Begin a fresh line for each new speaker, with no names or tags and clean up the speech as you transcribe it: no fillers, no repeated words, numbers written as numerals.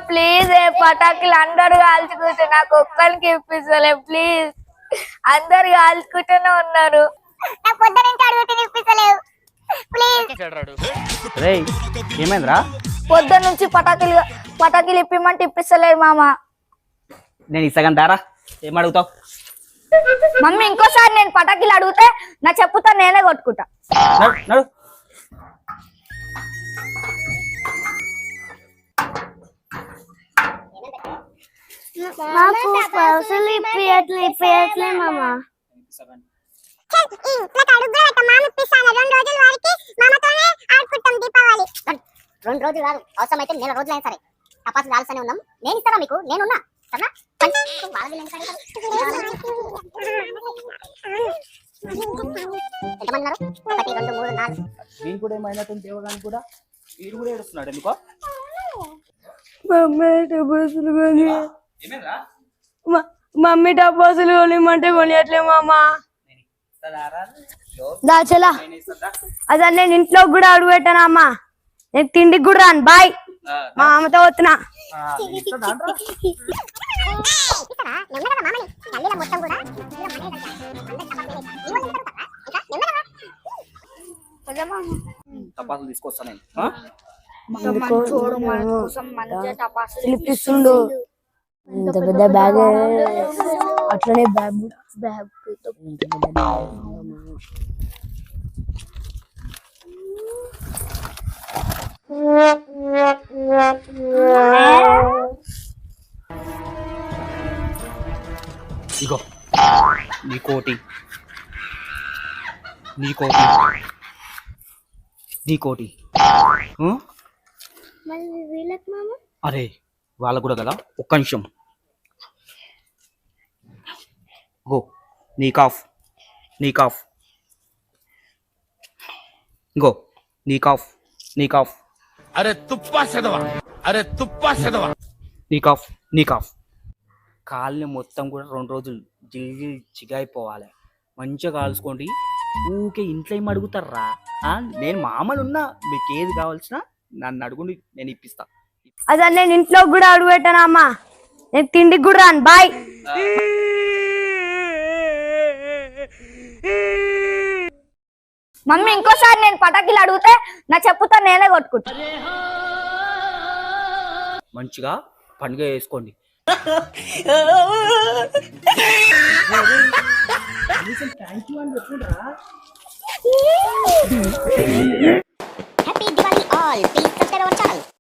Please పటాకులు అందరు కాల్చుకుంటే నాకు ఒక్కరికి ఇప్పిస్తలే ప్లీజ్. అందరు కాల్చుకుంటూనే ఉన్నారు.
ఏమైందిరా?
పొద్దున్న నుంచి పటాకులు ఇప్పిమంటే ఇప్పిస్తలేదు మామ.
నేను ఇస్తాను దారా, ఏమడుగుతావు?
మమ్మీ ఇంకోసారి నేను పటాకులు అడిగితే నా చెప్పుతో నేనే కొట్టుకుంటా.
నడు.
నాకు పైసలు ఇప్పియట్లే మామ.
రెండు రోజులు కాదు, అవసరమైతే నెల రోజులైనా సరే టపాసులు కాల్సనే ఉన్నాం. నేను ఇస్తారా మీకు? నేనున్నా సరేనా? ఎంతమంది? 1 2 3 4.
నేను కూడా ఏమైనట్టు దేవగాని కూడా వీడు కూడా ఏడుస్తున్నాడు ఎందుకో.
మమ్మీ టపాసులు కొనిమంటే కొనియట్లే మామ. దాచలా అదే నేను ఇంట్లో కూడా అడుగు పెట్టానా అమ్మా. నేను తిండికి కూడా రాను. బాయ్, మా అమ్మతో వస్తున్నా.
టపాసులు తీసుకొస్తా నేను.
పిలిపిస్తుండు. ఇంత పెద్ద బ్యాగ్, అట్లనే బ్యాగ్
ఇగో నీకోటి. అరే వాళ్ళకు కూడా కదా, ఒక్క నిమిషం. గో నీకాఫ్. గో నీకాఫ్.
అరే తుప్పా చదవా.
నీకాఫ్. కాళ్ళని మొత్తం కూడా 2 రోజులు జిల్లి చిగాయిపోవాలి. మంచిగా కాల్చుకోండి. ఊకే ఇంట్లో ఏం అడుగుతారా? నేను మామూలు ఉన్నా, మీకు ఏది కావాల్సిన నన్ను అడుగుండి, నేను ఇప్పిస్తా.
అదే నేను ఇంట్లో కూడా అడుగు పెట్టానా అమ్మా. నేను తిండికి కూడా రాను. బాయ్. మమ్మీ ఇంకోసారి నేను పటాకులు అడిగితే నా చెప్పుతో నేనే కొట్టుకుంటా.
మంచిగా పండుగ చేసుకోండి.
Happy Diwali all. Please subscribe our channel.